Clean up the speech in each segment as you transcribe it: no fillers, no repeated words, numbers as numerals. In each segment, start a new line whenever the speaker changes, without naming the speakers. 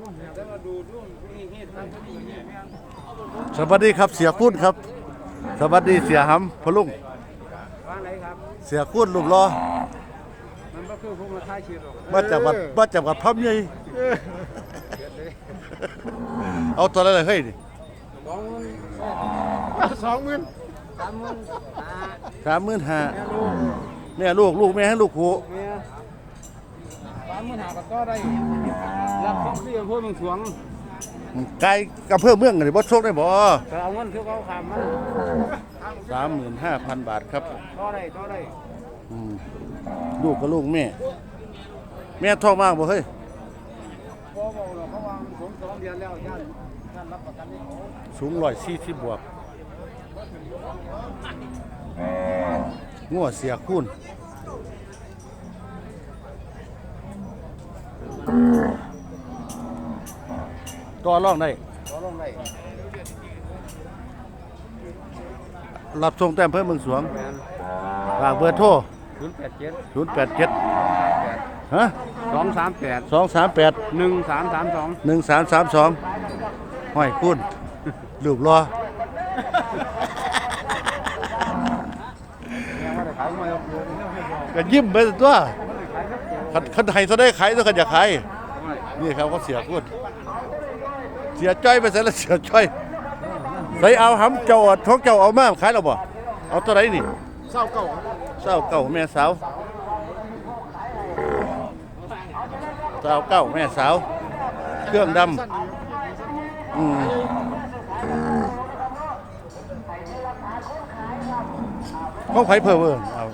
สวัสดีครับเสียคุ้นครับสวัสดีเสียหำพลุงเสียคุ้นลูกรอมาจากวัดพร้อมใหญ่เอาตัวอะไรเฮ้ยนี่35,000เนี่ยลูกแม่ให้ลูกหู
35,000ก็ได้รับของที่อำเภอเมืองสวง
ไกลกับเพื่อเมืองนี่บ่โชคได้บ่
เอาเงินคือเขาขามมัน
35,000 บาทครับ
ก็ได้
ลูกกับลูกแม่ท้องมากบ่เฮ้ย
บ่หรอกเพราะว่ามันสูง2 เดือนแล้วย่านรับประกันให้เขา
สูง140บวกงัวเสียคูณต่อรองได้รับส่งแต้มเพิ่มเมืองสวงฝากเบอร์โทร087ฮะ
238
1332ห้อยคุณรูปรอก็ยิ้มไปตัวคันไทยซะได้ขายตัวคันอยากขายนี่ครับเขาเสียคุณเสียจ้อยไปซะแล้วเสียจ้อยใส่เอาหำเจ้าท้องเจ้าเอามาขายแล้วบ่เอาตัวไหนนี่29แม่สาว29แม่สาวเครื่องดำเขาไผเพิ่มเอา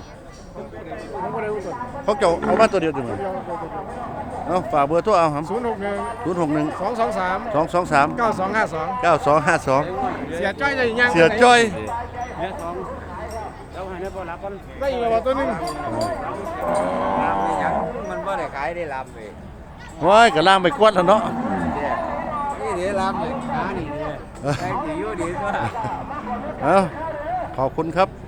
เขาเจ้าเอามาตัวเดียวจังเอาฝากเบอร์โทรเอาหำ061 223 9252
เสียจ้อยได้ยัง
เสียจ้อย
แล้วให้บ่รับกันได้อีกแล้วตัวนึงลามนี่ยังมันบ่ได้ขายได้ลามเลย
ว้ายก็ล่างไปกวดแล้วเนาะ
นี่เดี๋ยวลามเลยขานี่เนี่ยแรงดีอยู่ดีตัว
เอาขอบคุณครับ